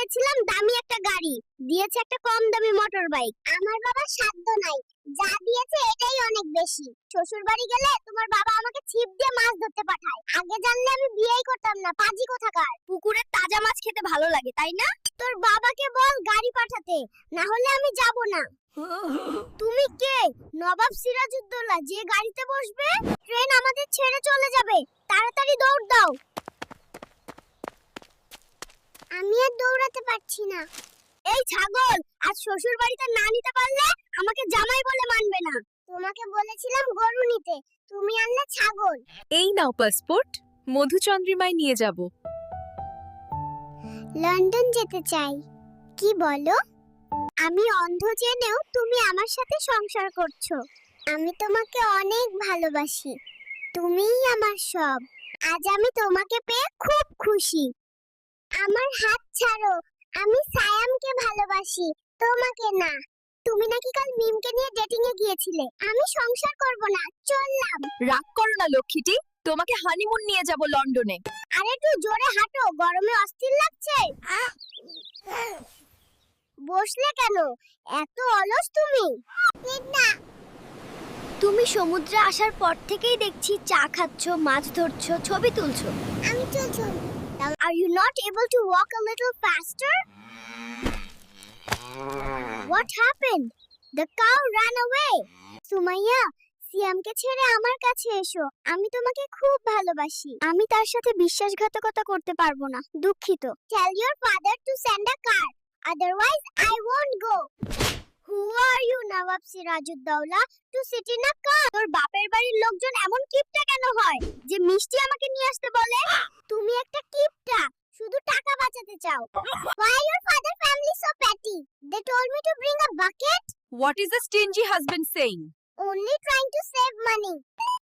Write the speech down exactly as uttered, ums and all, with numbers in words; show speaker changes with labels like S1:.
S1: চেয়েছিলাম দামি একটা গাড়ি, দিয়েছে একটা কম দামি মোটর বাইক। আমার বাবার সাধ্য নাই, যা দিয়েছে এটাই অনেক বেশি। শ্বশুর বাড়ি গেলে তোমার বাবা আমাকে ছিপ দিয়ে মাছ ধরতে পাঠায়। আগে জানলে আমি বিয়েই করতাম না, পাজি কোথাকার। পুকুরের তাজা মাছ খেতে ভালো লাগে তাই না? তোর বাবাকে বল গাড়ি পাঠাতে, না হলে আমি যাব না। তুমি কে? নবাব সিরাজউদ্দৌলা, যে গাড়িতে বসবে। ট্রেন আমাদের ছেড়ে চলে যাবে, তাড়াতাড়ি দৌড় দাও। আমি আর দৌড়াতে পারছি না। এই ছাগল, আজ শ্বশুর বাড়িতে না নিতে পারলে আমাকে জামাই বলে মানবে না। তোমাকে বলেছিলাম গরু নিতে, তুমি আনলে ছাগল।
S2: এই নাও পাসপোর্ট, মধুচন্দ্রিমায় নিয়ে যাব।
S1: লন্ডন যেতে চাই। কি বলো? আমি অন্ধ জেনেও তুমি আমার সাথে সংসার করছো। আমি তোমাকে অনেক ভালোবাসি, তুমিই আমার সব। আজ আমি তোমাকে পেয়ে খুব খুশি। আমার হাত ছাড়ো, আমি সায়ামকে ভালোবাসি, তোমাকে না। তুমি নাকি কাল মিমকে নিয়ে ডেটিং এ গিয়েছিলে। আমি সংসার করব না, চললাম।
S2: রাগ করো না লক্ষ্মীটি, তোমাকে হানিমুন নিয়ে যাব লন্ডনে।
S1: আরে একটু জোরে হাঁটো, গরমে অস্থির লাগছে। বসলে কেন? এত অলস তুমি। না, তুমি সমুদ্রে আসার পর থেকেই দেখছি চা খাচ্ছো, মাছ ধরছো, ছবি তুলছো। আমি চলছো। Are you not able to walk a little faster? What happened? The cow ran away. Sumaiya, সিয়ামকে ছেড়ে আমার কাছে এসো, আমি তোমাকে খুব ভালোবাসি। আমি তার সাথে বিশ্বাসঘাতকতা করতে পারবো না, দুঃখিত। Tell your father to send a car, otherwise I won't go. Who are you, Nawab Sirajuddaulah, to sit in a car? তোর বাপের বাড়ির লোকজন এমন কিপটা কেন হয় যে মিষ্টি আমাকে নিয়ে আসতে বলে? তুমি একটা কিপটা, শুধু টাকা বাঁচাতে চাও। Why your father family so petty? They told me to bring a bucket.
S2: What is a stingy husband saying?
S1: Only trying to save money.